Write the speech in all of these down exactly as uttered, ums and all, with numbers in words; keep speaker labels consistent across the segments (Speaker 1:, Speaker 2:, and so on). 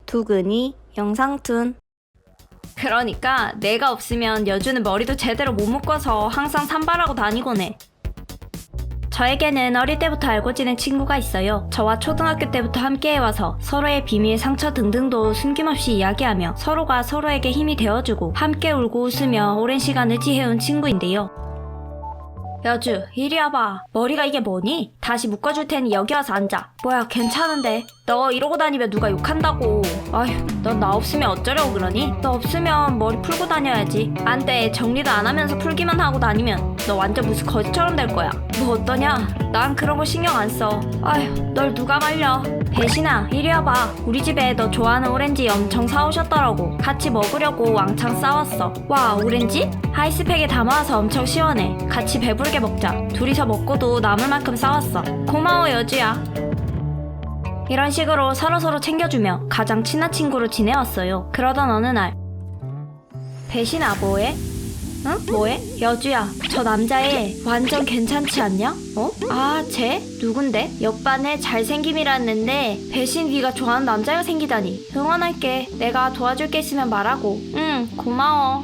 Speaker 1: 두근이 영상툰. 그러니까 내가 없으면 여주는 머리도 제대로 못 묶어서 항상 산발하고 다니곤 해. 저에게는 어릴 때부터 알고 지낸 친구가 있어요. 저와 초등학교 때부터 함께 해와서 서로의 비밀, 상처 등등도 숨김없이 이야기하며 서로가 서로에게 힘이 되어주고 함께 울고 웃으며 오랜 시간을 지해온 친구인데요. 여주, 이리 와봐. 머리가 이게 뭐니? 다시 묶어줄 테니 여기 와서 앉아. 뭐야, 괜찮은데. 너 이러고 다니면 누가 욕한다고. 아휴, 넌 나 없으면 어쩌려고 그러니? 너 없으면 머리 풀고 다녀야지. 안 돼, 정리도 안 하면서 풀기만 하고 다니면 너 완전 무슨 거지처럼 될 거야. 너 어떠냐? 난 그런 거 신경 안 써. 아휴, 널 누가 말려. 배신아, 이리 와봐. 우리 집에 너 좋아하는 오렌지 엄청 사오셨더라고. 같이 먹으려고 왕창 싸웠어. 와, 오렌지? 아이스팩에 담아와서 엄청 시원해. 같이 배부르게 먹자. 둘이서 먹고도 남을 만큼 싸웠어. 고마워, 여주야. 이런 식으로 서로서로 챙겨주며 가장 친한 친구로 지내왔어요. 그러던 어느 날, 배신아, 뭐해? 응? 뭐해? 여주야, 저 남자애 완전 괜찮지 않냐? 어? 아, 쟤? 누군데? 옆반에 잘생김이라는데 배신 네가 좋아하는 남자가 생기다니. 응원할게. 내가 도와줄 게 있으면 말하고. 응, 고마워.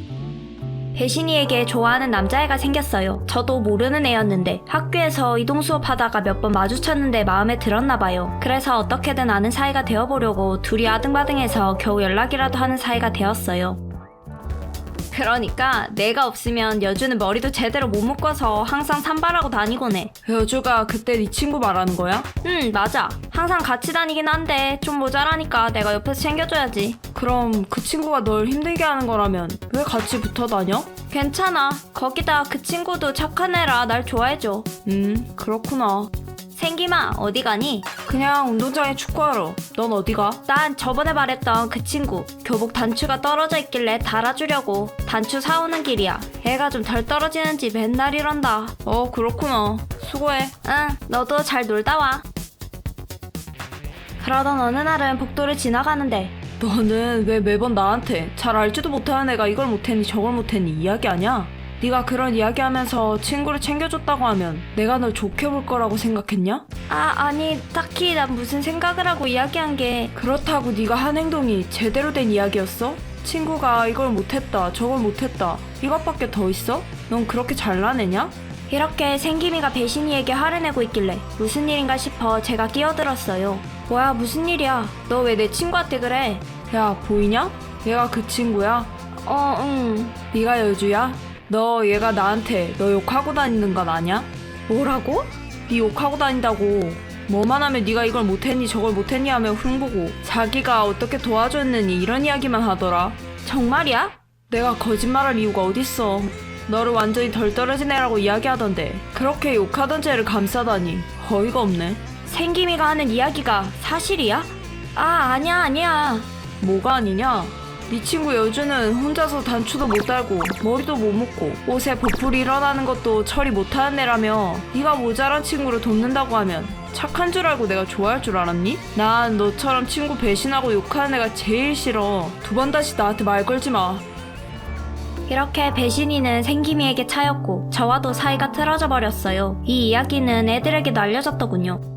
Speaker 1: 배신이에게 좋아하는 남자애가 생겼어요. 저도 모르는 애였는데 학교에서 이동 수업하다가 몇 번 마주쳤는데 마음에 들었나봐요. 그래서 어떻게든 아는 사이가 되어보려고 둘이 아등바등해서 겨우 연락이라도 하는 사이가 되었어요. 그러니까 내가 없으면 여주는 머리도 제대로 못 묶어서 항상 산발하고 다니곤 해.
Speaker 2: 여주가 그때 네 친구 말하는 거야?
Speaker 1: 응, 맞아. 항상 같이 다니긴 한데 좀 모자라니까 내가 옆에서 챙겨줘야지.
Speaker 2: 그럼 그 친구가 널 힘들게 하는 거라면 왜 같이 붙어 다녀?
Speaker 1: 괜찮아. 거기다 그 친구도 착한 애라 날 좋아해줘.
Speaker 2: 음, 그렇구나.
Speaker 1: 생김아, 어디 가니?
Speaker 2: 그냥 운동장에 축구하러. 넌 어디 가?
Speaker 1: 난 저번에 말했던 그 친구 교복 단추가 떨어져 있길래 달아주려고. 단추 사오는 길이야. 애가 좀 덜 떨어지는지 맨날 이런다.
Speaker 2: 어, 그렇구나. 수고해.
Speaker 1: 응, 너도 잘 놀다 와. 그러던 어느 날은 복도를 지나가는데
Speaker 2: 너는 왜 매번 나한테 잘 알지도 못하는 애가 이걸 못했니 저걸 못했니 이야기하냐? 네가 그런 이야기하면서 친구를 챙겨줬다고 하면 내가 널 좋게 볼 거라고 생각했냐?
Speaker 1: 아, 아니 딱히 난 무슨 생각을 하고 이야기한 게.
Speaker 2: 그렇다고 네가 한 행동이 제대로 된 이야기였어? 친구가 이걸 못했다 저걸 못했다 이것밖에 더 있어? 넌 그렇게 잘나내냐?
Speaker 1: 이렇게 생김이가 배신이에게 화를 내고 있길래 무슨 일인가 싶어 제가 끼어들었어요. 뭐야, 무슨 일이야? 너 왜 내 친구한테 그래?
Speaker 2: 야, 보이냐? 얘가 그 친구야?
Speaker 1: 어, 응.
Speaker 2: 네가 여주야? 너 얘가 나한테 너 욕하고 다니는 건 아냐?
Speaker 1: 뭐라고?
Speaker 2: 네 욕하고 다닌다고. 뭐만 하면 네가 이걸 못했니 저걸 못했니 하며 흉보고 자기가 어떻게 도와줬느니 이런 이야기만 하더라.
Speaker 1: 정말이야?
Speaker 2: 내가 거짓말할 이유가 어딨어. 너를 완전히 덜 떨어진 애라고 이야기하던데 그렇게 욕하던 쟤를 감싸다니 어이가 없네.
Speaker 1: 생김이가 하는 이야기가 사실이야? 아, 아니야 아니야.
Speaker 2: 뭐가 아니냐? 네 친구 여주는 혼자서 단추도 못 달고 머리도 못 묶고 옷에 보풀이 일어나는 것도 처리 못하는 애라며 네가 모자란 친구를 돕는다고 하면 착한 줄 알고 내가 좋아할 줄 알았니? 난 너처럼 친구 배신하고 욕하는 애가 제일 싫어. 두 번 다시 나한테 말 걸지 마.
Speaker 1: 이렇게 배신이는 생김이에게 차였고 저와도 사이가 틀어져 버렸어요. 이 이야기는 애들에게도 알려졌더군요.